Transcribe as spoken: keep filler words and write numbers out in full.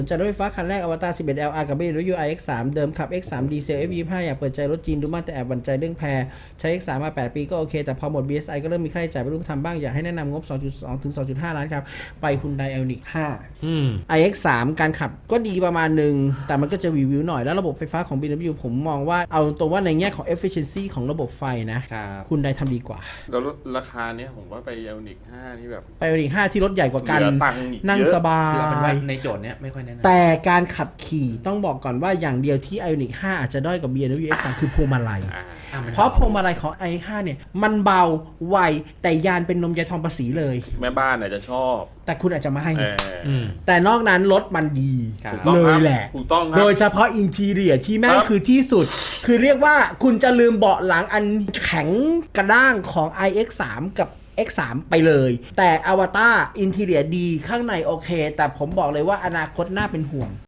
สนใจรถไฟฟ้าคันแรกอวตาร สิบเอ็ด แอล อาร์ กับ บี เอ็ม ดับเบิลยู ไอ เอ็กซ์ สาม เดิมขับ เอ็กซ์ สาม ดีเซล เอฟ ยี่สิบห้า อยากเปิดใจรถจีนดูมากแต่แอบหวั่นใจเรื่องแพรใช้ เอ็กซ์ สาม มาแปดปีก็โอเคแต่พอหมด บี เอส ไอ ก็เริ่มมีค่าใช้จ่ายไม่รู้ทำบ้างอยากให้แนะนำงบ สองจุดสอง ถึง สองจุดห้า ล้านครับไป Hyundai Ioniq ห้าอืมไอ เอ็กซ์ สาม การขับก็ดีประมาณหนึ่งแต่มันก็จะวิววิวหน่อยแล้วระบบไฟฟ้าของ บี เอ็ม ดับเบิลยู ผมมองว่าเอาตรงว่าในแง่ของ efficiency ของระบบไฟนะครับ Hyundai ทำดีกว่าแล้วราคาเนี้ยผมว่าไปเอลนิกห้านี่แบบไป Ioniq ห้าที่รถใหญ่กว่ากันเหลือตังค์อีกนั่งเยอะสบาคือเอาเป็นว่าย ในโจทย์เนี้ยไม่ค่อยแนะนำแต่การขับขี่ต้องบอกก่อนว่าอย่างเดียวที่ Ioniq ห้าอาจจะด้อยกับ บี เอ็ม ดับเบิลยู เอ็กซ์ สาม คือพวงมาลัยอ่าอ่มันเพราะพวงมาลัยของ ไอ ห้า เนี่ยมันเบาไวแต่ยานเป็นนมยายทองภาษีเลยแม่บ้านอาจจะชอบแต่คุณอาจจะไม่ให้เอออืมแต่นอกนั้นรถมันดีครับถูกต้องเลครัยบแหละถูกต้องครับโดยเฉพาะอินทีเรียที่แม่งครับคือที่สุด คือเรียกว่าคุณจะลืมเบาะหลังอันแข็งกระด้างของ ไอ เอ็กซ์ สาม กับ เอ็กซ์ สาม ไปเลย แต่อวตารอินทีเรียดีข้างในโอเค แต่ผมบอกเลยว่าอนาคตน่าเป็นห่วง